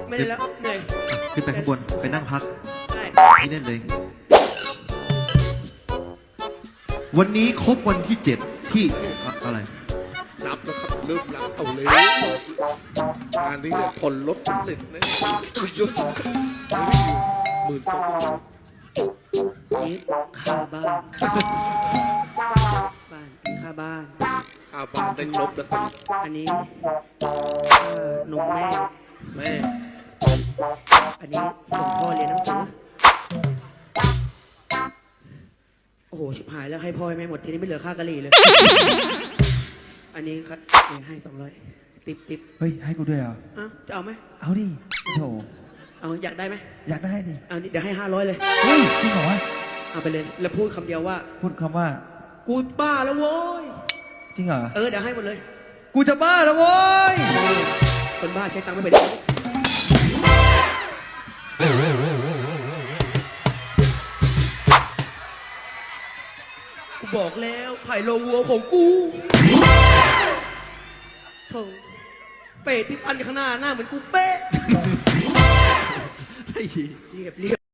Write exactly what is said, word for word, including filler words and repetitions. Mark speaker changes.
Speaker 1: ไม่ได้แล้วเหนื่อย
Speaker 2: ขึ้นไปข้างบนไปนั่งพักนี่เล่นเลย วันนี้ครบวันที่เจ็ดที่อะไร
Speaker 3: นับแล้วครับเริ่มนับเอาเลยงานนี้เนี่ยผลลดสำเร็จนะยศหมื่นสอง
Speaker 1: นี่ค่าบ้านบ้านค่าบ้าน
Speaker 3: ค่าบ้านได้ครบแล้วครับ
Speaker 1: อันนี้ค่านมแม่
Speaker 3: แม่
Speaker 1: อันนี้ส่งพ่อเรียนหนังสือโอ้โหชิบหายแล้วให้พ่อให้แม่หมดทีนี้ไม่เหลือค่ากะหรี่เลยอันนี้ครับนี่ให้สองร้อยติบติบ
Speaker 4: เฮ้ยให้กูด้วยเหรอ
Speaker 1: อ้าวจะเอาไหม
Speaker 4: เอาดิโถ
Speaker 1: เอาอยากได้ไหม
Speaker 4: อยากได้ดิ
Speaker 1: เอาเดี๋ยวให้ห้าร้อยเลย
Speaker 4: เฮ้ยจริงเหรอ
Speaker 1: เอาไปเลยแล้วพูดคำเดียวว่า
Speaker 4: พูดคำว่า
Speaker 1: กูบ้าแล้วโว้ย
Speaker 4: จริงเหรอ
Speaker 1: เออเดี๋ยวให้หมดเลย
Speaker 4: กูจะบ้าแล้วโว้ย
Speaker 1: คนบ้าใช้ตังค์ไม่เป็นกูบอกแล้วไผ่โลวัวของกูโธ่เป๊ะที่ปันข้างหน้าหน้าเหมือนกูเป๊ะเรียบเรียบ